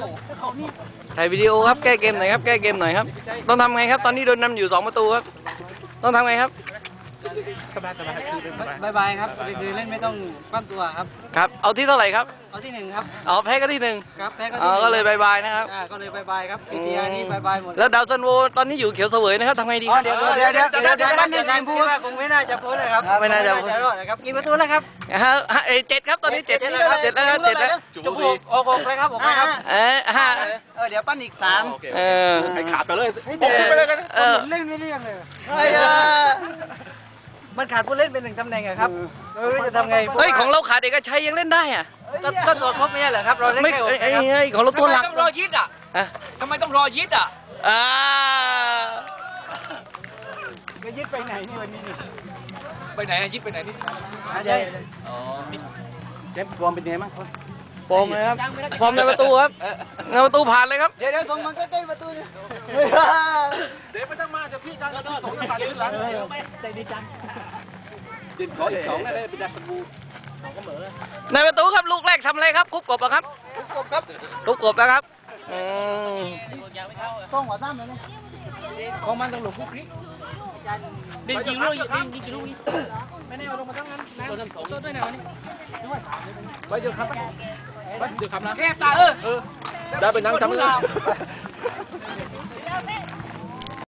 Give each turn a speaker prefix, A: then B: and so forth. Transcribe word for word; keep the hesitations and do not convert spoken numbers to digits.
A: ถ่ายวิดีโอครับแก้เกมหน่อยครับแก้เกมหน่อยครับต้องทำไงครับตอนนี้โดนนำอยู่สองประตูครับต้องทำไงครับ
B: สบายสบายคือเล่นสบาย
C: บายบายครับคือเล่นไม่ต้องปั้มตัวครับ
A: ครับเอาที่เท่าไหร่ครับ
C: เอาที่หนึ่งครับ
A: เอาแพ้ก็ที่หนึ่ง
C: ครับแพ้ก็
A: อ๋อก็เลยบายบายนะครับ
C: อ่าก็เลยบายบายครับพีทีอาร์นี่บายบายหมด
A: แล้วดาวซันโวตอนนี้อยู่เขียวเสวยนะครับทำไงดีครับ
B: เดี๋ยวเดี๋ยวเดี๋ยวเดี๋ยวเดี๋ยวบ้านนี่ทีมพูด
C: คงไม่น่าจะพ้นเลยครับไม่น่าจะรอดนะครับกี่ประตูแล้วครับ
A: ฮะฮะเอ้ยเจ็ดครับตอนนี้เจ็ดแล้วครับเจ็ดแล้วครับเจ็ดแล้ว
C: จุกโอ้โหเลยครับผมครับ
A: เออห้า
B: เออเดี๋ยวปั้นอีกสาม
A: เออ
B: ให้ขาดไปเลย
A: เออเออ
C: เล่นไม่เรื่องเลย
B: เฮ้ย
C: มันขาดผู้เล่นเป็นหนึ่งตำแหน่งอะครับไม่รู้จะทำไง
A: เฮ้ยของเราขาดเอกชัยยังเล่นได้อะ
C: ก็ตัวครบไม่ใช่เหรอครับเราเล่น
A: ไม่
C: แค่หก
A: เอ้ย
C: นะครับ
A: เอ้ยของเราตัวหลัก
D: ต้องรอยิดอ่ะ
A: อ่ะ
D: ทำไมต้องรอยิดอ่ะ
A: อ่า
C: ไปยึดไปไหนนี่วันนี้นี่
D: ไปไหนอะยิดไปไหนนี่
C: ใช่
D: อ๋อ
C: เจ็บรวมเป็นไงบ้างครับ
A: ฟอร์มเลยครับฟอร์มในประตูครับในประตูผ่านเลยครับ
B: เดี๋ยวเดี๋ยวส่งมันใกล้ๆประตูนี่เดี๋ยวไม่ต้องมาจะพี่การจะส่งกันที่หลัง
C: ใจดีจัง
B: ดินขออีกสองได้เป็นดาสบู
A: ในประตูครับลูกแรกทำอะไรครับคุบกบเหรอครับ
B: กบครับ
A: คุบกบนะครับอืม
B: ต้องหัวซ้ำเลยนี่
C: ของมันต้องหลบคุกนี้ดินยิงลูกยิงยิงกี่ลูกนี้ไม่ได้เอาลงมาตั้งนั้นนะต้นสองต้นด้วยนะวันนี้ด้วย
B: ไปเดี๋ยวครับไปเดี๋ยวครับนะ
D: แคบตาเออ
B: ได้เป็นนั่งทำเลย